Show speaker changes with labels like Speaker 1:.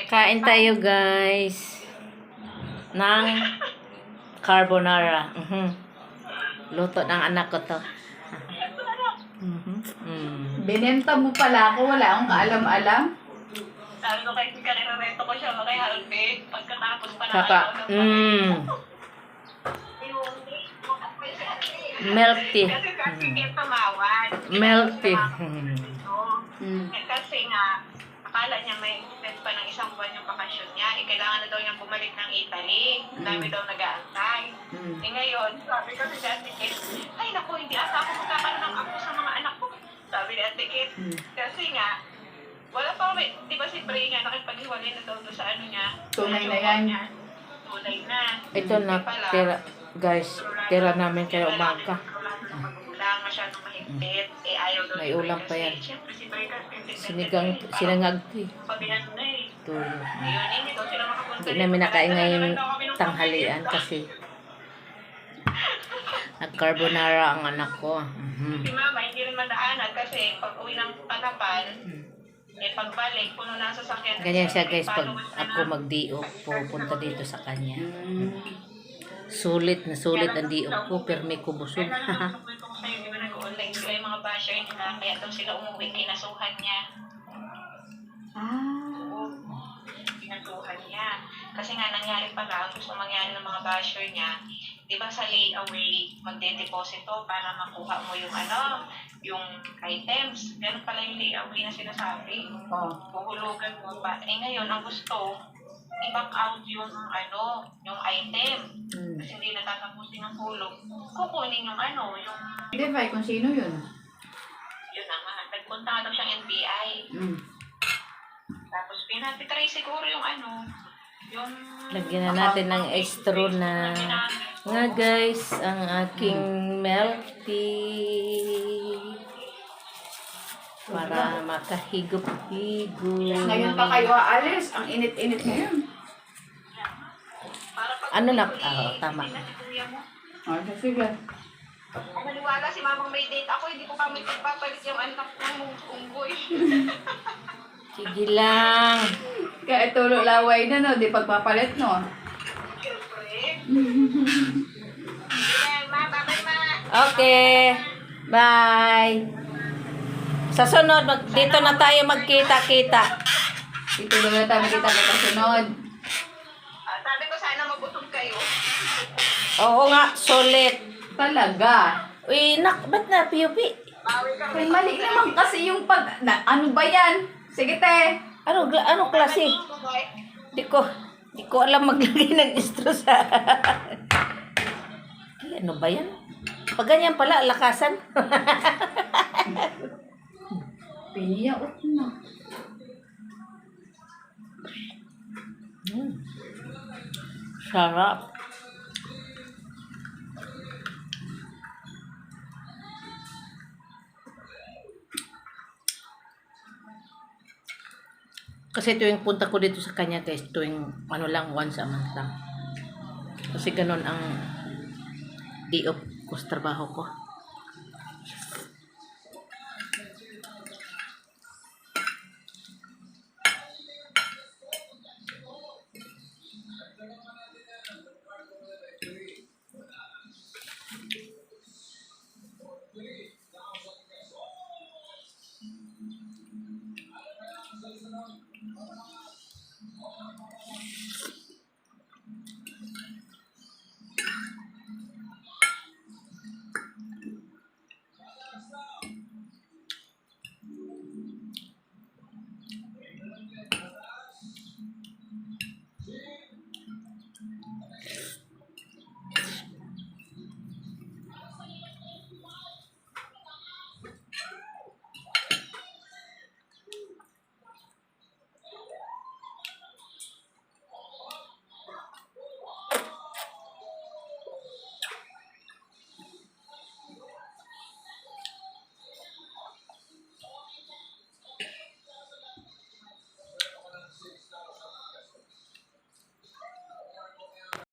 Speaker 1: Kain tayo guys ng carbonara. Luto ng anak ko to.
Speaker 2: Binenta mo pala ako, wala akong kaalam-alam.
Speaker 3: Sabi ko kay Karina-rento ko siya kay Harvey. Pagkatapos pa na
Speaker 1: Kaka, melty.
Speaker 3: Kasi tumawad.
Speaker 1: Melty.
Speaker 3: Kasi nga, akala niya may extend pa ng isang buwan yung bakasyon niya. Kailangan na daw niyang bumalik ng Italy. Dami daw nag-aantay. Ngayon, sabi ko si Ate Kate, ay naku, hindi ata ako magkakaroon ng apo sa mga anak ko. Sabi ni Ate Kate, kasi nga, wala pa kami, di ba si Bray nga nakipaghiwalay na daw sa ano niya?
Speaker 2: Tunay na yan.
Speaker 3: Tunay na.
Speaker 1: Ito na, tira, guys, tira namin kaya umaga.
Speaker 3: Magulang, masyadong mahigpit. Ayaw daw
Speaker 1: May
Speaker 3: ni Bray
Speaker 1: ulam pa
Speaker 3: kasi.
Speaker 1: yan.
Speaker 3: Siyempre si Bray kasi.
Speaker 1: Sinangag ko eh.
Speaker 3: Pabihan na eh.
Speaker 1: Tulo.
Speaker 3: Ayun, hindi daw sila makapunta.
Speaker 1: Hindi namin nakain ngayong tanghalian kasi nag-carbonara ang anak ko.
Speaker 3: Si Mama, hindi rin madaanan kasi pag uwi ng Panapan, pagbalik, puno na ang sasakyan.
Speaker 1: Ganyan siya guys, pag ako mag-diop, pupunta dito sa kanya. Sulit na sulit ang diop ko, pero may kubusog.
Speaker 3: Kwento ko sa'yo, di ba nag-online sila yung mga basher nila, kaya daw sila umuwi, kinasuhan niya. Kinasuhan niya. Kasi nga nangyari pala, gusto mangyari ng mga basher niya, di ba sa layaway, magde-deposito para makuha mo yung yung items. Ganun pala yung layaway na sinasabi. Huhulugan mo pa. Ngayon, ang gusto, i-back out yung yung item. Kasi hindi natatapusin ng hulog. Kukunin yung yung...
Speaker 2: Hindi ba, kung sino yun?
Speaker 3: Yun na nga. Nagpunta nga daw siyang NBI. Tapos pinatitry siguro yung yung...
Speaker 1: Lagyan na natin ng extra na nga guys, ang aking melty. Para makahigop-higop.
Speaker 2: Ngayon pa kayo aalis, ang init-init ngayon.
Speaker 3: Para pag
Speaker 1: Ano na? Tama.
Speaker 3: na si kuya mo.
Speaker 2: Sige.
Speaker 3: Kung maniwala si mamang may date ako, hindi ko kami pagpapalit yung anak ng unggoy.
Speaker 1: Sige lang.
Speaker 2: Kaya tulo laway na, no? Di pagpapalit, no?
Speaker 3: Siyempre. Ayan, ma, babay ma.
Speaker 1: Okay. Bye. Sa sunod, dito na tayo magkita-kita.
Speaker 2: Ito na tayo kita kasunod.
Speaker 3: Sabi ko sana mabutog kayo.
Speaker 1: Oo nga, sulit.
Speaker 2: Talaga.
Speaker 1: Uy, ba't na piupi?
Speaker 3: Bawi ka
Speaker 2: Ay, mali naman kasi yung ano ba yan? Sige, te.
Speaker 1: Ano klase? Di ko alam maglagay ng estro sa... Ay, ano ba yan? Pag ganyan pala, lakasan.
Speaker 2: Piniyaot na.
Speaker 1: Sarap. Kasi tuwing punta ko dito sa kanya guys, tuwing once a month lang. Kasi ganun ang day off ko sa trabaho ko.